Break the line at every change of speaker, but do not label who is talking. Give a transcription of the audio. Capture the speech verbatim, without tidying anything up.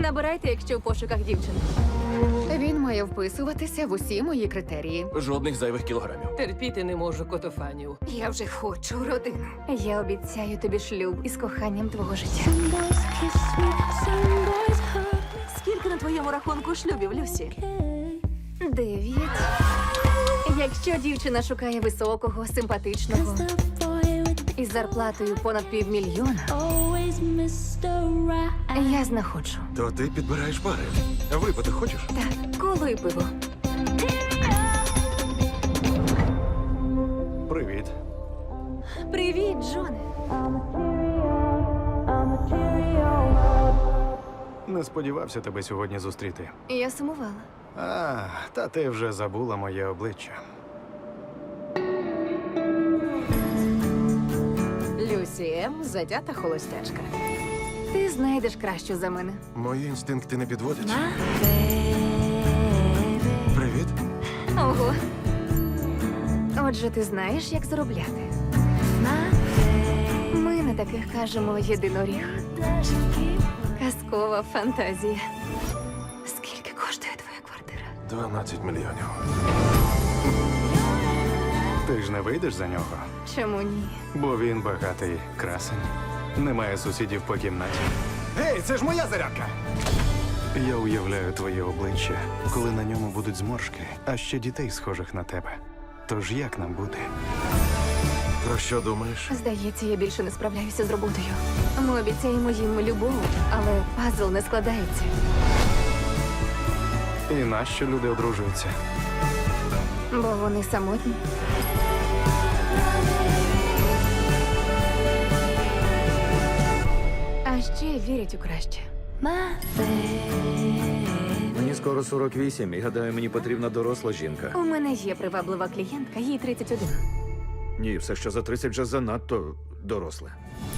Набирайте, якщо в пошуках дівчин.
Він має вписуватися в усі мої критерії.
Жодних зайвих кілограмів.
Терпіти не можу котофанів.
Я вже хочу родину.
Я обіцяю тобі шлюб із коханням твого життя.
Скільки на твоєму рахунку шлюбів, Люсі?
Дев'ять. Якщо дівчина шукає високого, симпатичного із зарплатою понад півмільйона, я знаходжу.
То ти підбираєш пари. Випити хочеш?
Так, коло і пиво.
Привіт.
Привіт, Джоне.
Не сподівався тебе сьогодні зустріти.
Я сумувала.
А, та ти вже забула моє обличчя.
Люсі М. затята холостячка.
Ти знайдеш кращу за мене.
Мої інстинкти не підводять. Привіт.
Ого. Отже, ти знаєш, як заробляти. Ми на таких кажемо єдиноріг. Казкова фантазія. Скільки коштує твоя квартира?
дванадцять мільйонів.
Ти ж не вийдеш за нього,
Чому ні?
бо він багатий красень. Немає сусідів по кімнаті.
Гей, це ж моя зарядка!
Я уявляю твоє обличчя, коли на ньому будуть зморшки, а ще дітей, схожих на тебе. Тож як нам бути?
Про що думаєш?
Здається, я більше не справляюся з роботою. Ми обіцяємо їм любов, але пазл не складається.
І нащо люди одружуються?
Бо вони самотні. А ще вірять у краще.
Мені скоро сорок вісім, і гадаю, мені потрібна доросла жінка.
У мене є приваблива клієнтка, їй тридцять один.
Ні, все, що за тридцять вже занадто доросле.